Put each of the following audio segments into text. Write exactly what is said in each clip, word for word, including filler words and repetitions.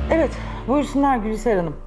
Evet, buyursunlar Gülser Hanım.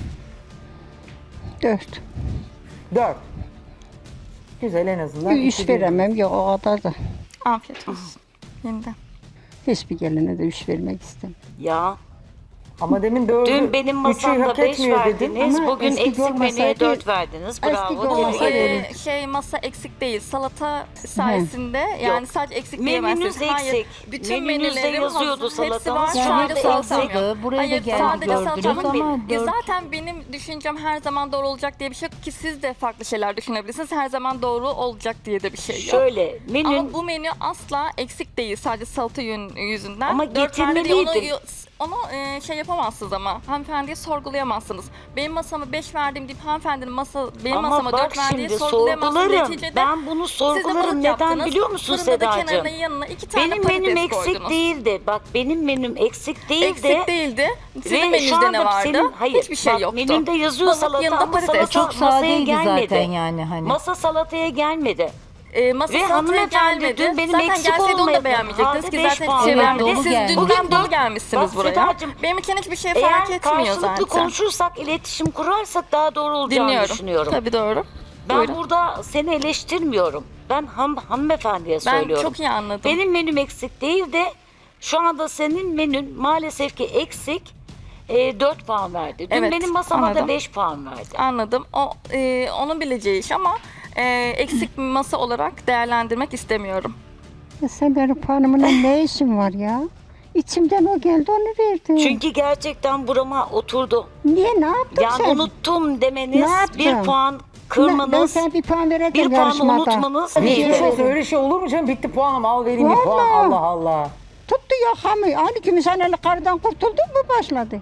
Dört. Dört. Güzel, en azından. Üç iki bir. veremem yok o kadar da. Afiyet olsun. Yeniden. Hiçbir geline de üç vermek istemem. Ya Ama demin dördü, dün benim üçü masamda hak beş etmiyor dedin. verdiniz. Ama Bugün eski eksik menüye olmasaydı- dört verdiniz. eski Bravo. olmasaydı- tebrik Ee, ederim. şey masa eksik değil. Salata sayesinde yani sadece eksik Menünüz diyemezsiniz. Hayır. eksik. Bütün Menünüzde menülerim yazıyordu hazır. Hepsi salatanız. var. Yani Sadece hepsi salatam eksik. yok. Buraya da Hayır, geldi, sadece gördünüz salatam ama yok. Ya dört- zaten benim düşüncem her zaman doğru olacak diye bir şey yok ki siz de farklı şeyler düşünebilirsiniz. Her zaman doğru olacak diye de bir şey yok. Şöyle menün Ama bu menü asla eksik değil. Sadece salata yön- yüzünden. Ama Dört verdi diye getirmeliydim. Onu, onu e, şey yapamazsınız ama hanımefendiye sorgulayamazsınız. Benim masama beş verdim deyip hanımefendinin masa benim ama masama bak dört verdiği şimdi sorgulayamazsınız. sorgularım. Neticede Ben bunu siz de sorgularım. balık Neden yaptınız. biliyor musun Fırında da Sedacığım? kenarına yanına iki tane Benim patates menüm eksik koydunuz. değildi. Bak benim menüm eksik değildi. Eksik değildi. Sizin Ve şu menünüzde anda ne vardı? senin- hayır, Hiçbir şey bak, yoktu. menünde yazıyor Balık salata yanında ama patates. salata Çok masaya sadeydi gelmedi. zaten yani hani. Masa salataya gelmedi. E, masa Ve salataya hanımefendi gelmedi. dün benim zaten eksik gelseydi onu olmaya da beğenmeyecektiniz halde ki beş zaten puan hiçbir şey verdi. vermedi. Dolu Siz geldi. dünden Bugün dolu dört- gelmişsiniz Bak buraya. Sedacığım, Benim için hiçbir şey fark Eğer etmiyor karşılıklı zaten. konuşursak, iletişim kurarsak daha doğru olacağını Dinliyorum. düşünüyorum. Tabii doğru. Ben Buyurun. burada seni eleştirmiyorum. Ben ham, hanımefendiye Ben söylüyorum. çok iyi anladım. Benim menüm eksik değil de şu anda senin menün maalesef ki eksik. E, dört puan verdi. Dün Evet, benim masama anladım. da beş puan verdi. Anladım. O e, onun bileceği iş ama e, eksik bir masa olarak değerlendirmek istemiyorum. Ya sen benim puanımla ne işin var ya? İçimden o geldi onu verdim. Çünkü gerçekten burama oturdu. Niye ne yaptın Yani sen? unuttum demeniz, Ne yaptım? bir puan Ben, ben kırmanız, sana bir puan veredim bir puan yarışmada. unutmanız Bir şey Geçmiş neydi? olsun, öyle şey olur mu canım? Bitti puanım, al vereyim bir puan. Vallahi. Allah Allah. Tuttu yakamı. Hani gümüşhaneli karıdan kurtuldun mu başladı?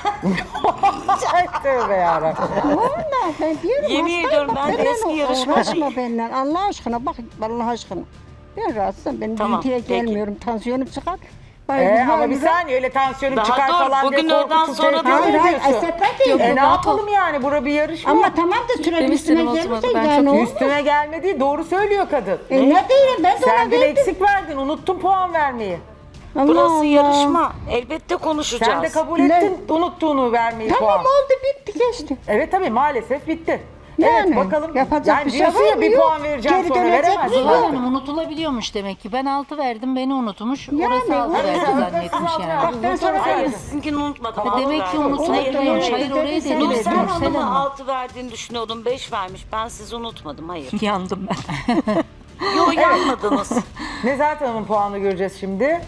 Ay tövbe yarabbim. Vallahi ben diyorum Yemin hastayım, ediyorum bak ben de benimle eski uğraşma yarışmacıyım. benimle. Allah aşkına bak Allah aşkına. Ben rahatsızım. Benim Tamam, gürültüye peki. gelmiyorum. Tansiyonum çıkar. Ee, Bayılır, ama bir bayılır. saniye, öyle tansiyonum Daha çıkar dur, falan bugün diye öğleden korkutup sonra tehdit Hayır hayır ediyorsun. esnetme değil. E ne yapalım yani? Bura bir yarışma. Ama tamam da sürekli Benim üstüme üstüme oturmadı, gelirse ben yani çok olmaz. Üstüne gelmedi, doğru söylüyor kadın. E ne diyeyim ben de Sen ona dün verdim. eksik verdin, unuttun puan vermeyi. Allah Burası Allah. yarışma. Elbette konuşacağız. Sen de kabul Ne? ettin unuttuğunu vermeyi Tamam puan. oldu bitti geçti. Evet tabii, maalesef bitti. Yani, evet bakalım. yapacak yani bir şey diyorsun var ya, mı? bir Yok. puan vereceğim Geri sonra dönecek veremezsin. mi? Zuhal artık. Hanım unutulabiliyormuş demek ki. Ben altı verdim, beni unutmuş. Yani, Orası altı evet, verdi evet, zannetmiş altı yani. verdi. Bak ben sana Hayır, söyleyeyim. sizinkini unutmadım. Tamam. altı Demek ki verdim. unutmuş. Hayır, Unutmuş. hayır. Hayır, orayı Sen dedim. Nursel Nursel Hanım'a Hanım. altı verdiğini düşünüyordum. beş vermiş. Ben sizi unutmadım. Hayır. Yandım ben. Yo yanmadınız. Nezahat Hanım'ın puanını göreceğiz şimdi.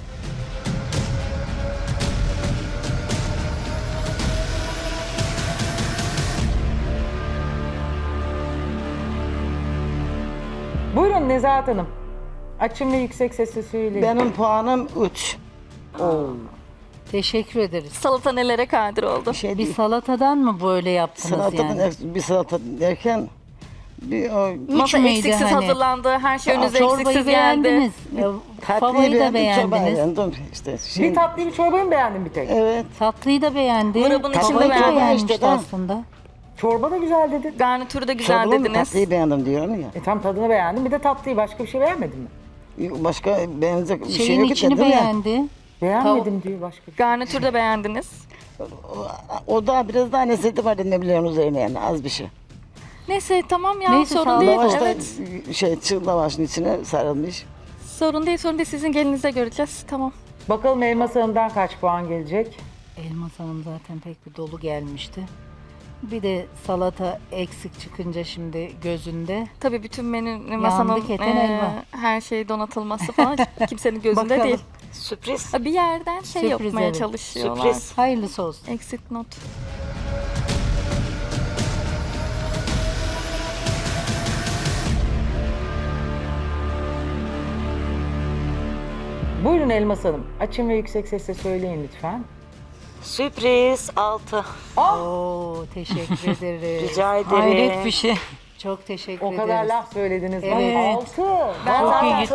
Buyurun Nezahat Hanım. Açın ve yüksek sesle söyleyin. Benim puanım üç. Teşekkür ederiz. Salata nelere kadir oldu. Şey Bir değil. salatadan mı böyle yaptınız Salatadan yani? eks- bir salata derken bir o Masa müydü eksiksiz hani? hazırlandı. Her şey Aa, önünüze Çorbayı eksiksiz geldi. beğendiniz. tatlıyı Favayı da beğendim, çorbayı beğendiniz. beğendim. İşte şey, Bir tatlıyı bir çorbayı mı beğendin bir tek? evet. Tatlıyı da beğendi. Grubun içinde Favayı da beğendim. beğenmişti İşte, tamam. aslında. Çorba da güzel dedin. Garnitürü de güzel Çorbanın dediniz. tatlıyı beğendim diyorum ya. E tam tadını beğendim. Bir de tatlıyı, başka bir şey beğenmedin mi? Başka beğenecek bir şey Şeyin yok içini dedim ya. beğendi. Beğenmedim diyor başka bir şey. Garnitürü de beğendiniz. O da biraz daha nesneti var ne biliyorsun üzerine yani az bir şey. Neyse tamam ya Neyse, sorun sağ ol. değil. Lavaş da Evet. şey çığ lavaşın içine sarılmış. Sorun değil sorun değil. Sizin gelinize göreceğiz. Tamam. Bakalım Elmas Hanım'dan kaç puan gelecek? Elmas Hanım zaten pek bir dolu gelmişti. Bir de salata eksik çıkınca şimdi gözünde. Tabii bütün menü masanın keten eee, elma. her şeyi donatılması falan kimsenin gözünde Bakalım. değil. Sürpriz. Bir yerden şey Sürpriz, yapmaya evet. çalışıyorlar. Sürpriz. Hayırlısı olsun. Exit not. Buyurun Elmas Hanım. Açın ve yüksek sesle söyleyin lütfen. Sürpriz altı. Oo, teşekkür ederiz. Rica ederim. Hayret bir şey. Çok teşekkür O ederiz. kadar laf söylediniz. Evet. Bak altı. Ben Aa, zaten Altı.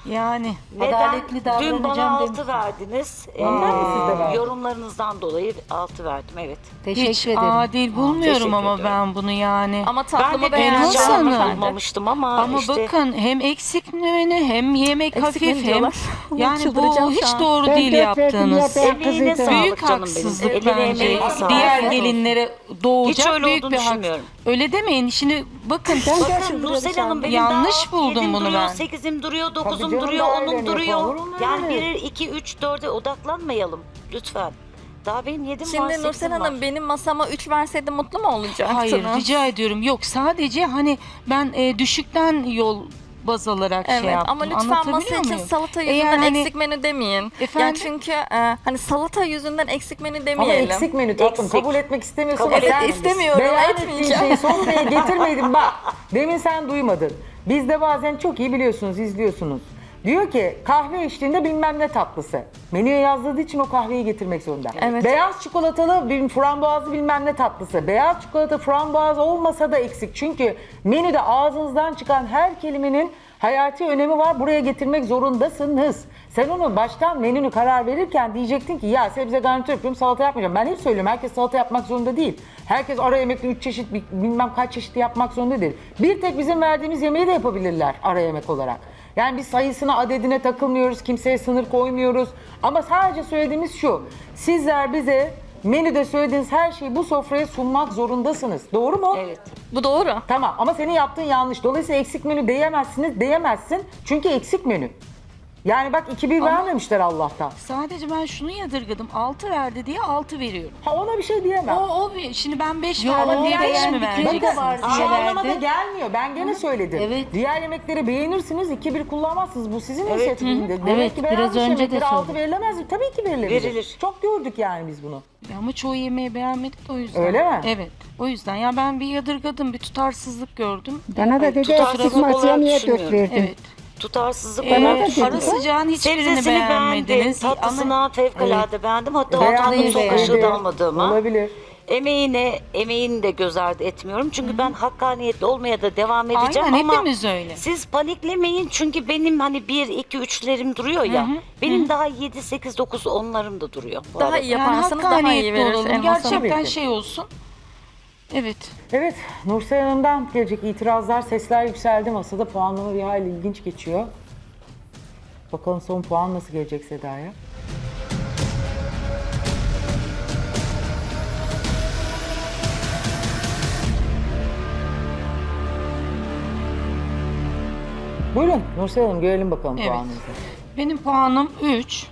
Yani Neden? adaletli Dün davranacağım bana demişsin. altı verdiniz. Ondan mı siz de verdiniz? Yorumlarınızdan dolayı altı verdim, evet. Teşekkür Hiç ederim. adil bulmuyorum Teşekkür ama ediyorum. ben bunu yani. Ama Ben tatlımı de beğendim. Elmas beğeneceğimi Hanım. sanmamıştım ama, Ama işte bakın hem eksik menü hem yemek Eksik menü hafif hem diyorlar. yani bu Çıldıracağım şu hiç an. doğru Ben değil dört verdim ya, yaptığınız. ben emeğine kızıydım. sağlık Büyük canım benim. haksızlık Eline bence. emeğine sağlık. Diğer Evet. gelinlere doğacak Hiç öyle büyük olduğunu bir hak. düşünmüyorum. Öyle demeyin. Şimdi bakın Bakın Nursel Hanım benim Yanlış daha buldum yedim bunu duruyor, ben. sekizim duruyor, dokuzum canım, duruyor, daha onum öyle duruyor. yapalım, olur mu Yani öyle? bir, iki, üç, dörde odaklanmayalım lütfen. Daha benim yedim var, Şimdi sekizim Nursel var. Hanım benim masama üç verseydi mutlu mu olacaktınız? Hayır rica ediyorum. Yok sadece hani ben e, düşükten yol baz alarak Evet şey yaptım. ama lütfen Anlatabiliyor masa için muyum? salata Eğer yüzünden hani- eksik menü demeyin. Efendim? Yani çünkü e, hani salata yüzünden eksik menü Ama demeyelim. eksik menü tatlım. Eksik. Kabul etmek istemiyorsun. Kabul ama sen et- istemiyorum, beyan ettiğin etmeyeceğim. şeyi sofraya getirmeydin. Bak demin sen duymadın. Biz de bazen çok iyi biliyorsunuz, izliyorsunuz. Diyor ki kahve içtiğinde bilmem ne tatlısı. Menüye yazdığı için o kahveyi getirmek zorunda. Evet. Beyaz çikolatalı bir frambuazlı bilmem ne tatlısı. Beyaz çikolata frambuaz olmasa da eksik. Çünkü menüde ağzınızdan çıkan her kelimenin hayati önemi var. Buraya getirmek zorundasınız. Sen onu baştan menünü karar verirken diyecektin ki ya sebze garnitür yapıyorum, salata yapmayacağım. Ben hep söylüyorum, herkes salata yapmak zorunda değil. Herkes ara yemekte üç çeşit bilmem kaç çeşit yapmak zorunda değil. Bir tek bizim verdiğimiz yemeği de yapabilirler ara yemek olarak. Yani biz sayısına, adedine takılmıyoruz, kimseye sınır koymuyoruz. Ama sadece söylediğimiz şu, sizler bize menüde söylediğiniz her şeyi bu sofraya sunmak zorundasınız. Doğru mu? Evet. Bu doğru. Tamam ama senin yaptığın yanlış. Dolayısıyla eksik menü diyemezsiniz, diyemezsin. Çünkü eksik menü. Yani bak iki bir vermemişler Allah'tan. Sadece ben şunu yadırgadım. altı verdi diye altı veriyorum. Ha ona bir şey diyemem. O, o bir, şimdi ben beş Yok, verdim diye beş mi beğendikleri de vereceksin? var Şu diye anlamada verdi. gelmiyor. Ben gene söyledim. Evet. Diğer yemekleri beğenirsiniz, iki bir kullanmazsınız. Bu sizin Evet. inisiyatifiniz. Demek Evet, ki biraz beğenmiş önce de yemekleri altı söyledim. verilemez mi? Tabii ki verilebilir. Verilir. Çok gördük yani biz bunu. Ama çoğu yemeği beğenmedik de o yüzden. Öyle mi? Evet. O yüzden ya ben bir yadırgadım, bir tutarsızlık gördüm. Bana da dedi tutarsızlık eksik masaya olarak niye dört düşünmüyorum. verdin? Evet. Tutarsızlık Ee, olarak da düşünüyorum. ara sıcağın hiçbirini Sebzesini beğendim, beğenmediniz. tatlısını Ama fevkalade beğendim. Hatta Beğendim, ortamda son beğendim. kaşığı da almadığıma. Olabilir. Emeğine, emeğini de göz ardı etmiyorum. Çünkü ben hakkaniyetli olmaya da devam edeceğim aynen ama hepimiz öyle. siz paniklemeyin çünkü benim hani bir, iki, üçlerim duruyor ya. Benim daha yedi, sekiz, dokuz, onlarım da duruyor. bu Daha arada. iyi Yani yaparsanız daha iyi hakkaniyetli verir. olalım. Elmas Hanım. Gerçekten Tabii ki. şey olsun. Evet. Evet, Nursel Hanım'dan gelecek itirazlar, sesler yükseldi masada. Puanlama bir hayli ilginç geçiyor. Bakalım son puan nasıl gelecek Seda'ya? Buyurun Nursel Hanım, görelim bakalım Evet. puanınızı. Benim puanım üç.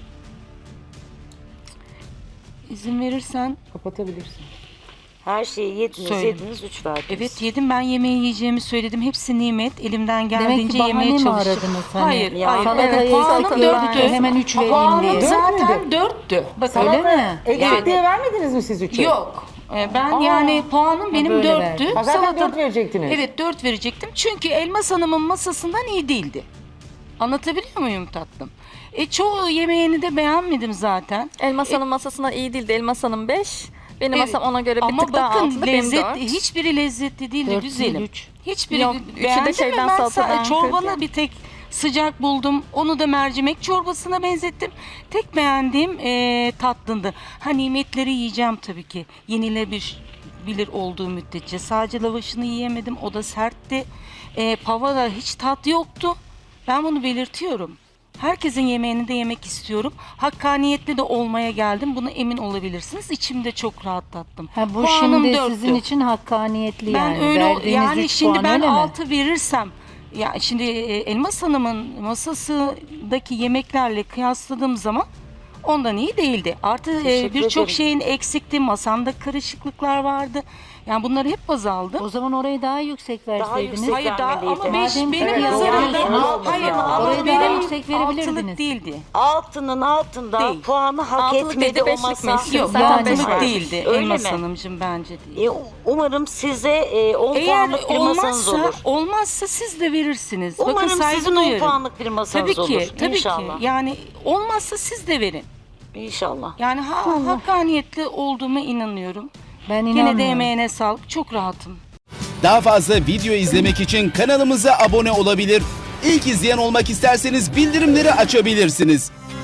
İzin verirsen Kapatabilirsin. Her şeyi yediniz, Söyle. yediniz, üç verdiniz. evet yedim, ben yemeği yiyeceğimi söyledim. Hepsi nimet. Elimden Demek geldiğince ki bahane yemeye mi çalıştım. aradınız hani? Hayır, Ya, hayır. Salatayı Puanım eksik dörttü. gördü, hemen üç vereyim Puanım diye. Dört zaten müydü? dörttü. Bak Öyle öyle mi? Eksik Yani- diye vermediniz mi siz üçü? Yok. Ee, Ben Aa. yani puanım benim böyle dörttü. verdi. Ha, zaten Salata- dört verecektiniz. Evet dört verecektim. Çünkü Elmas Hanım'ın masasından iyi değildi. Anlatabiliyor muyum tatlım? E çoğu yemeğini de beğenmedim zaten. Elmas Hanım masasına iyi değildi. Elmas Hanım beş. Benim Evet. masam ona göre bir Ama tık daha bakın altında. Benim lezzetli, dört. hiçbiri lezzetli değildi Dört güzelim. değil, üç. Hiçbiri Yok, üçü de beğendim şeyden, mi? Ben salatadan sa- çorbanı kırdı. bir tek sıcak buldum. Onu da mercimek çorbasına benzettim. Tek beğendiğim e, tatlındı. Ha nimetleri yiyeceğim tabii ki. Yenilebilir bilir olduğu müddetçe. Sadece lavaşını yiyemedim. O da sertti. E, pavada hiç tat yoktu. Ben bunu belirtiyorum. Herkesin yemeğini de yemek istiyorum. Hakkaniyetli de olmaya geldim. Buna emin olabilirsiniz. İçimde çok rahatlattım. Ha, bu Puanım şimdi dörttü. sizin için hakkaniyetli Ben yani. öyle Verdiğiniz yani üç şimdi puan ben öyle mi? altı verirsem ya şimdi e, Elmas Hanım'ın masasındaki yemeklerle kıyasladığım zaman ondan iyi değildi. Artı e, Teşekkür birçok ederim. şeyin eksikti. Masamda karışıklıklar vardı. Yani bunları hep baz aldım. O zaman orayı daha yüksek verseydiniz. yüksek. Hayır daha ama vermeliydi. beş Madem benim ki nazarımda yani hayır, hayır olmaz ama Orayı daha benim yüksek altılık verebilirdiniz. değildi. Altının altında Değil. puanı hak Altılık etmedi dedi, o beşlikmiş. masa. Yok, Yok zaten beş altılık vermiş. değildi Öyle Elmas mi? Hanımcığım bence değil. E, umarım size e, on Eğer puanlık bir masanız olmazsa, olur. olmazsa siz de verirsiniz. Bakın Umarım saygı sizin on duyarım. puanlık bir masanız Tabii ki, olur. tabii İnşallah. ki. Yani olmazsa siz de verin. İnşallah. Yani ha, hakkaniyetli olduğuma inanıyorum. Ben Yine inanmıyorum. de emeğine sağlık. Çok rahatım. Daha fazla video izlemek için kanalımıza abone olabilir. İlk izleyen olmak isterseniz bildirimleri açabilirsiniz.